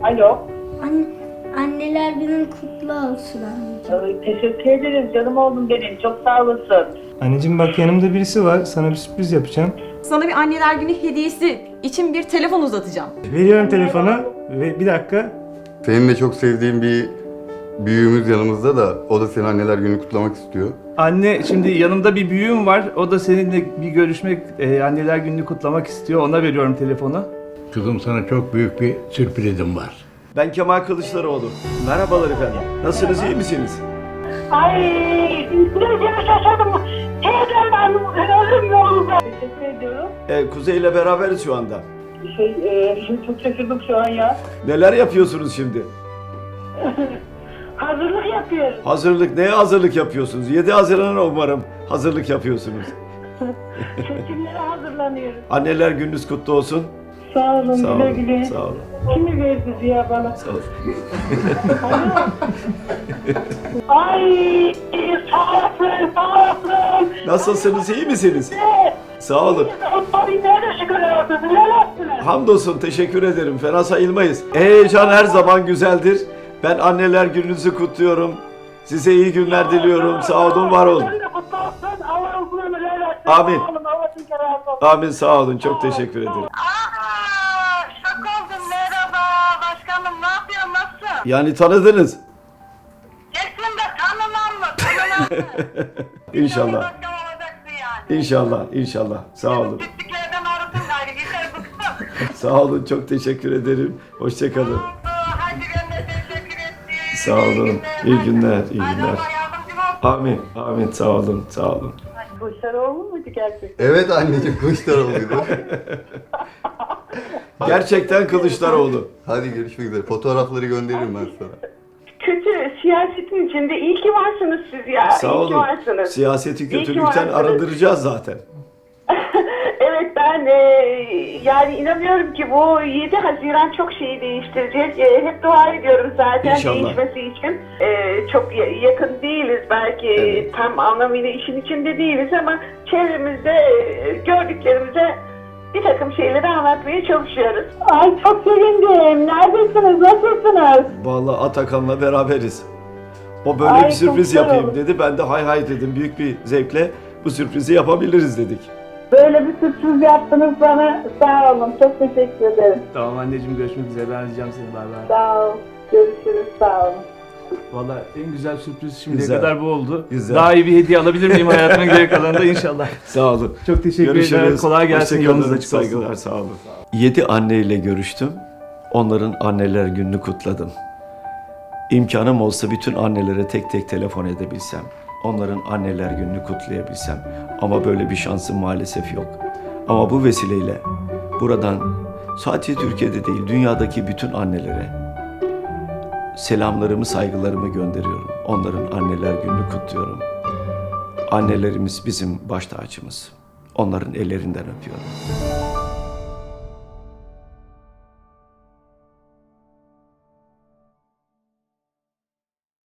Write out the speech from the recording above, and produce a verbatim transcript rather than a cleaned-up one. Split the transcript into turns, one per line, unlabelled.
Alo.
An anneler günün kutlu olsun anneciğim.
Ee, Teşekkür ederim canım oğlum benim. Çok sağ olasın.
Anneciğim bak yanımda birisi var. Sana bir sürpriz yapacağım.
Sana bir anneler günü hediyesi için bir telefon uzatacağım.
Veriyorum telefonu ve bir dakika.
Senin de çok sevdiğin bir büyüğümüz yanımızda da o da senin anneler günü kutlamak istiyor.
Anne, şimdi yanımda bir büyüğüm var. O da seninle bir görüşmek, e, anneler gününü kutlamak istiyor. Ona veriyorum telefonu.
Kızım sana çok büyük bir sürprizim var.
Ben Kemal Kılıçdaroğlu. Merhabalar efendim. Nasılsınız, iyi misiniz?
Ay, biraz şaşırdım. Teyzem ben ölüm yolunda. Teşekkür ediyorum.
Ee, Kuzey ile beraberiz şu anda.
Şey, e, çok şaşırdım şu an ya.
Neler yapıyorsunuz şimdi?
Hazırlık yapıyoruz.
Hazırlık, neye hazırlık yapıyorsunuz? yedi Haziran'a umarım hazırlık yapıyorsunuz.
Seçimlere hazırlanıyoruz.
Anneler gününüz kutlu olsun.
Sağ olun,
Sağ
güle
olun,
güle.
sağ olun.
Kimi verdi Ziya bana?
Sağ olun.
Ay, sağ olasın, sağ olasın.
Nasılsınız, iyi misiniz? Sağ olun.
Ay, nerede şükür olsun, neler yaptılar?
Hamdolsun, teşekkür ederim. Fena sayılmayız. Heyecan her zaman güzeldir. Ben anneler gününüzü kutluyorum. Size iyi günler diliyorum. Sağ olun, var olun.
Sen de kutlu olsun, Allah uzun ömür versin.
Amin.
Sağ olun, Allah sizin razı olsun.
Amin, sağ olun. Çok teşekkür ederim.
Aa, şok oldum. Merhaba başkanım. Ne yapıyorsun? Nasılsın?
Yani tanıdınız.
Kesin de tanımam mı? Tanımam mı?
İnşallah.
Başkan olacaksın yani.
İnşallah, inşallah. Sağ olun.
Pisliklerden arasın gayrı. Yeter bıktım.
Sağ olun, çok teşekkür ederim. Hoşçakalın.
Oldu. Hadi ben de teşekkür ettim.
Sağ olun. İyi günler, iyi
Hadi
günler.
Allah yardımcım olsun.
Amin, amin. Sağ olun, sağ olun.
Kılıçdaroğlu muydu gerçekten?
Evet anneciğim Kılıçdaroğlu'ydu.
Gerçekten Kılıçdaroğlu.
Hadi görüşmek üzere. Fotoğrafları gönderirim ben sana.
Kötü siyasetin içinde iyi ki varsınız siz ya.
Sağ
iyi ki
olun.
varsınız.
Siyaseti
İyi ki
kötülükten
varsınız.
arındıracağız zaten.
Evet ben e, yani inanıyorum ki bu yedi Haziran çok şeyi değiştirecek. E, hep dua ediyorum zaten
İnşallah.
değişmesi için. E, çok ya- yakın değiliz belki
Evet.
tam anlamıyla işin içinde değiliz ama çevremizde e, gördüklerimize bir takım şeyleri anlatmaya çalışıyoruz. Ay çok sevindim. Neredesiniz? Nasılsınız?
Vallahi Atakan'la beraberiz. O böyle
Ay,
bir sürpriz
çok
yapayım
güzel
dedi. Ben de hay hay dedim. Büyük bir zevkle bu sürprizi yapabiliriz dedik.
Böyle bir sürpriz yaptınız bana. Sağ olun. Çok teşekkür ederim.
Tamam anneciğim, görüşmek üzere. Ben arayacağım seni. Bay bay.
Sağ ol. Görüşürüz. Sağ olun.
Valla en güzel sürpriz şimdiye
Güzel.
kadar bu oldu.
Güzel.
Daha iyi bir hediye alabilir miyim hayatımın geri kalanında inşallah.
Sağ olun.
Çok teşekkür
Görüşürüz.
ederim. Kolay gelsin.
Hoşça kalın.
Yolunuz açık olsun.
Saygılar, sağ olun. Yedi anneyle görüştüm. Onların anneler gününü kutladım. İmkanım olsa bütün annelere tek tek telefon edebilsem, onların anneler gününü kutlayabilsem. Ama böyle bir şansım maalesef yok. Ama bu vesileyle buradan sadece Türkiye'de değil, dünyadaki bütün annelere selamlarımı, saygılarımı gönderiyorum. Onların anneler gününü kutluyorum. Annelerimiz bizim baş tacımız. Onların ellerinden öpüyorum.